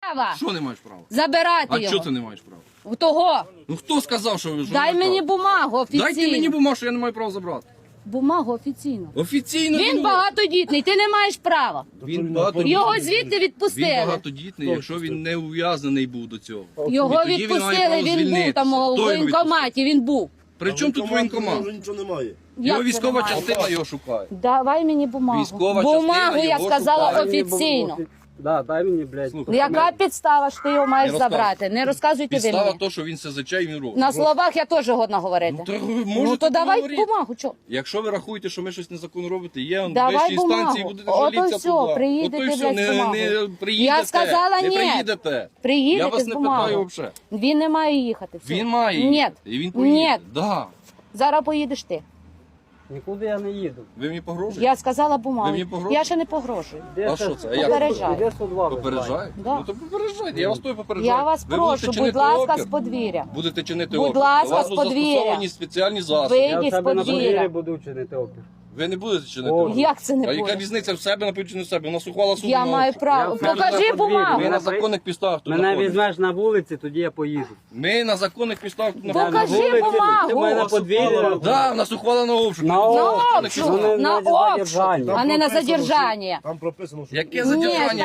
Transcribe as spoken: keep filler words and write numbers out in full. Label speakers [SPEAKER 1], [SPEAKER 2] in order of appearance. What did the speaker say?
[SPEAKER 1] права.
[SPEAKER 2] Що не маєш права?
[SPEAKER 1] Забирати
[SPEAKER 2] А
[SPEAKER 1] його.
[SPEAKER 2] чого ти не маєш права?
[SPEAKER 1] У того.
[SPEAKER 2] Ну хто сказав, що ви ж
[SPEAKER 1] Дай
[SPEAKER 2] не
[SPEAKER 1] мені
[SPEAKER 2] права?
[SPEAKER 1] бумагу офіційно.
[SPEAKER 2] Дайте мені бумагу, що я не маю права забрати.
[SPEAKER 1] Бумагу офіційно.
[SPEAKER 2] Офіційно.
[SPEAKER 1] Він багатодітний, ти не маєш права.
[SPEAKER 2] Він багатодітний.
[SPEAKER 1] Його звідти
[SPEAKER 2] Він
[SPEAKER 1] відпустили.
[SPEAKER 2] багатодітний, якщо він не ув'язаний був до цього.
[SPEAKER 1] Його
[SPEAKER 2] І тоді він має
[SPEAKER 1] відпустили,
[SPEAKER 2] право
[SPEAKER 1] він був
[SPEAKER 2] звільнитися.
[SPEAKER 1] там у
[SPEAKER 2] Хто його
[SPEAKER 1] воєнкоматі, він був.
[SPEAKER 2] При чому тут воєнкомат?
[SPEAKER 3] Вже нічого немає.
[SPEAKER 2] Його
[SPEAKER 1] Як
[SPEAKER 2] військова
[SPEAKER 1] це немає?
[SPEAKER 2] частина його шукає.
[SPEAKER 1] Давай мені бумагу.
[SPEAKER 2] Військова
[SPEAKER 1] Бумагу,
[SPEAKER 2] частина
[SPEAKER 1] я
[SPEAKER 2] його
[SPEAKER 1] сказала,
[SPEAKER 2] шукає.
[SPEAKER 1] офіційно.
[SPEAKER 4] Да, дай мені, блядь.
[SPEAKER 2] Слухай,
[SPEAKER 1] Яка підстава, що ти його маєш
[SPEAKER 2] Не
[SPEAKER 1] забрати? Не розказуйте ви
[SPEAKER 2] Підстава
[SPEAKER 1] мені.
[SPEAKER 2] то, що він СЗЧ і він робить.
[SPEAKER 1] На словах я теж годна говорити.
[SPEAKER 2] Ну, то ви
[SPEAKER 1] Ну
[SPEAKER 2] можете
[SPEAKER 1] то давай
[SPEAKER 2] поговорити.
[SPEAKER 1] бумагу, чо?
[SPEAKER 2] Якщо ви рахуєте, що ми щось незаконно робите, є он
[SPEAKER 1] Давай
[SPEAKER 2] вищі
[SPEAKER 1] бумагу.
[SPEAKER 2] інстанції, будете
[SPEAKER 1] Ото
[SPEAKER 2] жалітися
[SPEAKER 1] все,
[SPEAKER 2] туди.
[SPEAKER 1] приїдете,
[SPEAKER 2] Ото й все,
[SPEAKER 1] блядь,
[SPEAKER 2] не,
[SPEAKER 1] з бумагою.
[SPEAKER 2] не приїдете.
[SPEAKER 1] Я сказала,
[SPEAKER 2] не
[SPEAKER 1] ні.
[SPEAKER 2] приїдете.
[SPEAKER 1] Приїдете
[SPEAKER 2] Я вас
[SPEAKER 1] з
[SPEAKER 2] не
[SPEAKER 1] бумагою.
[SPEAKER 2] питаю взагалі.
[SPEAKER 1] Він не має їхати. все.
[SPEAKER 2] Він має
[SPEAKER 1] Ні.
[SPEAKER 2] їхати. І він поїде.
[SPEAKER 1] Ні.
[SPEAKER 2] Да.
[SPEAKER 1] Зараз поїдеш ти.
[SPEAKER 4] Нікуди я не їду.
[SPEAKER 2] Ви мені погрожуєте?
[SPEAKER 1] Я сказала
[SPEAKER 2] Ви
[SPEAKER 1] бумагу.
[SPEAKER 2] мені погрожуєте?
[SPEAKER 1] Я ще не погрожую.
[SPEAKER 4] Де
[SPEAKER 2] А
[SPEAKER 4] це-
[SPEAKER 2] що це? А як?
[SPEAKER 1] Попереджаю.
[SPEAKER 4] Де сто два визиває?
[SPEAKER 2] Попереджає?
[SPEAKER 1] Да.
[SPEAKER 2] Ну то попереджайте, я вас той попереджаю.
[SPEAKER 1] Я вас
[SPEAKER 2] Ви
[SPEAKER 1] прошу,
[SPEAKER 2] будете
[SPEAKER 1] будь
[SPEAKER 2] чинити
[SPEAKER 1] ласка,
[SPEAKER 2] опір.
[SPEAKER 1] з подвір'я.
[SPEAKER 2] Будете чинити
[SPEAKER 1] Будь
[SPEAKER 2] опір.
[SPEAKER 1] ласка,
[SPEAKER 2] До вас
[SPEAKER 1] з
[SPEAKER 2] будуть
[SPEAKER 1] подвір'я.
[SPEAKER 2] застосовані спеціальні засоби.
[SPEAKER 1] Ви-
[SPEAKER 4] Я в
[SPEAKER 1] Вийдіть
[SPEAKER 4] себе на
[SPEAKER 1] з-под двір'я.
[SPEAKER 4] подвір'ї буду чинити опір.
[SPEAKER 2] Ви не будете чинити
[SPEAKER 4] О,
[SPEAKER 2] опір.
[SPEAKER 1] Як це не
[SPEAKER 2] А яка
[SPEAKER 1] буде?
[SPEAKER 2] різниця в себе, напевно, чи не в себе? У нас ухвала суду
[SPEAKER 1] Я
[SPEAKER 2] на
[SPEAKER 1] маю
[SPEAKER 2] опір.
[SPEAKER 1] право.
[SPEAKER 4] Я в себе
[SPEAKER 1] Покажи
[SPEAKER 4] на подвір'ї.
[SPEAKER 1] бумагу.
[SPEAKER 2] Ми на
[SPEAKER 4] Мене
[SPEAKER 2] законних підставах тут
[SPEAKER 4] Мене
[SPEAKER 2] знаходимося.
[SPEAKER 4] візьмеш на вулиці, тоді я поїду.
[SPEAKER 2] Ми на законних підставах тут
[SPEAKER 1] Покажи
[SPEAKER 2] знаходимося.
[SPEAKER 1] бумагу.
[SPEAKER 4] Ти мене на подвір'ї.
[SPEAKER 2] Да, у нас ухвала на обшук.
[SPEAKER 4] На
[SPEAKER 2] Ми тут
[SPEAKER 4] обшук.
[SPEAKER 2] законних
[SPEAKER 1] обшук.
[SPEAKER 2] підставах.
[SPEAKER 4] Ну,
[SPEAKER 1] На
[SPEAKER 4] на
[SPEAKER 1] обшук.
[SPEAKER 4] задержання.
[SPEAKER 1] А не на
[SPEAKER 3] прописано, що-
[SPEAKER 1] задержання.
[SPEAKER 3] Там прописано, що...
[SPEAKER 2] Яке
[SPEAKER 1] Ні,
[SPEAKER 2] задержання?